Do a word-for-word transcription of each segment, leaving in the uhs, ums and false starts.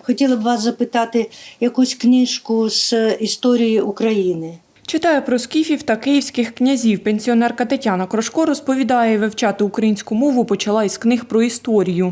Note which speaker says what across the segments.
Speaker 1: Хотіла б вас запитати якусь книжку з історії України.
Speaker 2: Читає про скіфів та київських князів. Пенсіонерка Тетяна Крошко розповідає, вивчати українську мову почала із книг про історію.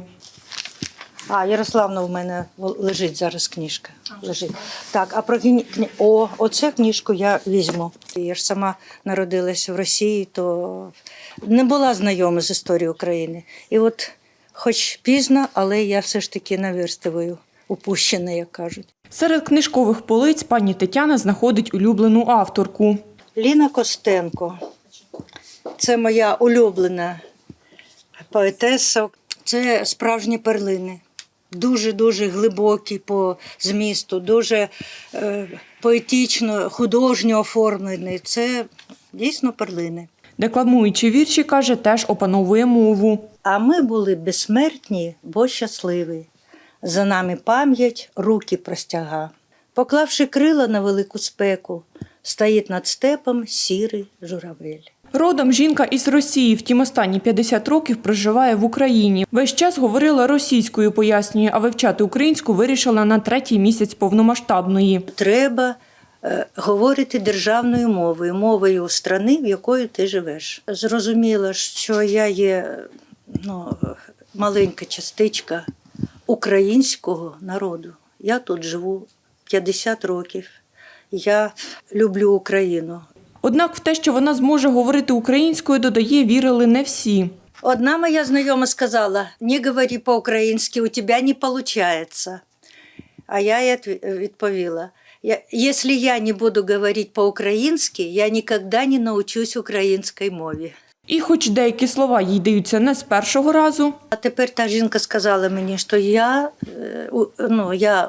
Speaker 1: А, Ярославна в мене лежить зараз книжка. Лежить. Так, а про кні... О, оцю книжку я візьму. Я ж сама народилась в Росії, то не була знайома з історією України. І от, хоч пізно, але я все ж таки наверстую упущена, як кажуть.
Speaker 2: Серед книжкових полиць пані Тетяна знаходить улюблену авторку.
Speaker 1: Ліна Костенко. Це моя улюблена поетеса. Це справжні перлини. Дуже-дуже глибокі по змісту, дуже е, поетично, художньо оформлені. Це дійсно перлини.
Speaker 2: Декламуючи вірші, каже, теж опановує мову.
Speaker 1: А ми були безсмертні, бо щасливі. За нами пам'ять, руки простяга. Поклавши крила на велику спеку, стоїть над степом сірий журавель.
Speaker 2: Родом жінка із Росії, втім останні п'ятдесят років проживає в Україні. Весь час говорила російською, пояснює, а вивчати українську вирішила на третій місяць повномасштабної.
Speaker 1: Треба е, говорити державною мовою, мовою країни, в якої ти живеш. Зрозуміла, що я є ну, маленька частичка українського народу. Я тут живу п'ятдесят років. Я люблю Україну.
Speaker 2: Однак в те, що вона зможе говорити українською, додає, вірили не всі.
Speaker 1: Одна моя знайома сказала: «Не говори по-українськи, у тебе не виходить». А я їй відповіла: «Якщо я не буду говорити по-українськи, я ніколи не навчусь українській мові».
Speaker 2: І хоч деякі слова їй даються не з першого разу.
Speaker 1: А тепер та жінка сказала мені, що я, ну, я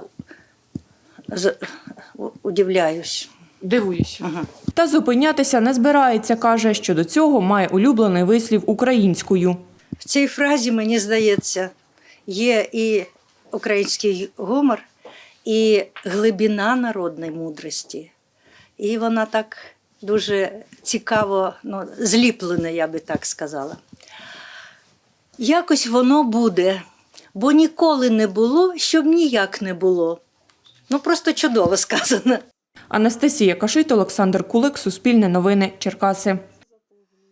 Speaker 1: удивляюсь.
Speaker 2: Дивуюся. Ага. Та зупинятися не збирається, каже, що до цього має улюблений вислів українською.
Speaker 1: В цій фразі, мені здається, є і український гумор, і глибина народної мудрості. І вона так дуже цікаво, ну, зліплена, я би так сказала. Якось воно буде, бо ніколи не було, щоб ніяк не було. Ну, просто чудово сказано.
Speaker 2: Анастасія Кашит, Олександр Кулик, Суспільне новини, Черкаси.